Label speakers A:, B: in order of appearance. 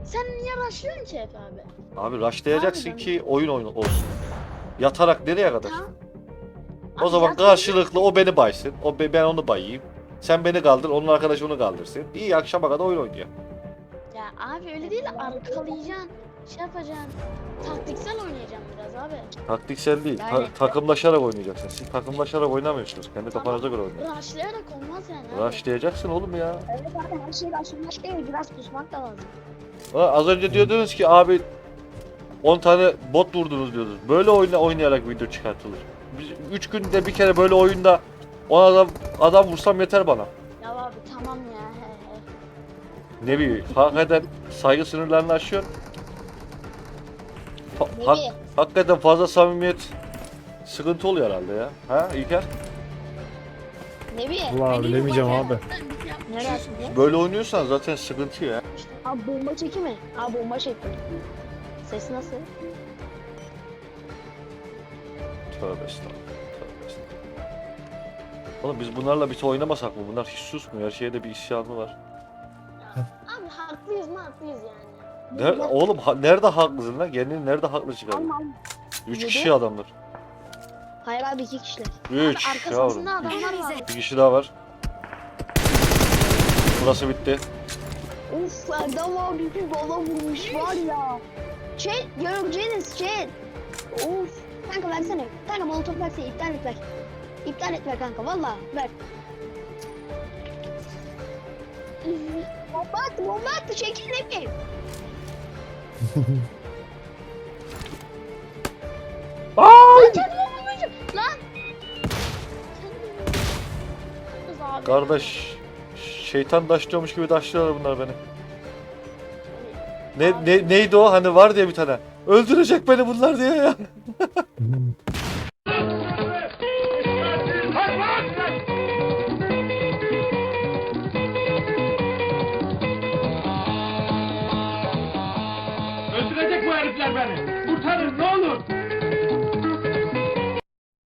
A: Sen niye rushlıyorsun ki hep abi?
B: Abi rushlayacaksın
A: Harbiden.
B: ki oyun olsun. Yatarak nereye kadar?
A: Tamam.
B: O
A: Abi
B: zaman
A: zaten-
B: karşılıklı o beni baysın. Ben onu bayayım. Sen beni kaldır, onun arkadaşı onu kaldırsın. İyi akşama kadar oyun oynuyor.
A: Ya abi öyle değil, arkalayacaksın. Şey yapacaksın. Taktiksel oynayacaksın biraz abi.
B: Taktiksel değil,
A: Yani-
B: takımlaşarak oynayacaksın. Siz takımlaşarak oynamıyorsunuz. Kendi
A: Tamam.
B: kafanıza göre oynayın.
A: Rushlayarak olmaz yani abi.
B: Rushlayacaksın oğlum ya.
C: Evet abi her şey başlamak değil. Biraz pusmak da lazım.
B: Az önce diyordunuz ki abi 10 tane bot vurdunuz diyordunuz. Böyle oynayarak video çıkartılır. Biz 3 günde bir kere böyle oyunda 10 adam vursam yeter bana.
A: Ya abi tamam ya. He he.
B: Ne bileyim, hakikaten saygı sınırlarını aşıyor.
C: Nebi.
B: Hakikaten fazla samimiyet sıkıntı oluyor herhalde ya. Ha İlker?
C: Nebi.
D: Vallahi bilemeyeceğim abi.
C: Nereye atıyor?
B: Böyle oynuyorsan zaten sıkıntı ya.
C: Abi bomba çeki mi? Abi bomba çekti. Ses nasıl?
B: Tövbe estağfurullah. Tövbe estağfurullah. Oğlum biz bunlarla bir oynamasak mı? Bunlar hiç susmuyor. Her şeyde bir isyanı var.
A: Abi haklıyız mı haklıyız yani.
B: Oğlum nerede haklısın lan? Kendini nerede haklı çıkardın?
C: Aman.
B: 3
C: Yedi.
B: kişi adamlar.
C: Hayır abi 2 kişiler.
B: 3
A: Arka
B: yavrum.
A: sahasında adamlar var.
B: Bir kişi daha var. Burası bitti.
C: Of Erdem abi bir bala vurmuş var ya. Chat göreceğiniz chat. Of. Kanka versene. Kanka molotof versene iptal et ver. İptal et ver kanka valla ver. Bomba attı çekil ne bileyim.
B: Ay!
A: Kendimi vurmayacağım. Lan. Kız abi.
B: Kardeş, şeytan daşlıyormuş gibi daşlıyorlar bunlar beni. Neydi o? Hani var diye bir tane. Öldürecek beni bunlar diye ya.
E: Öldürecek bu herifler beni. Kurtarın ne olur.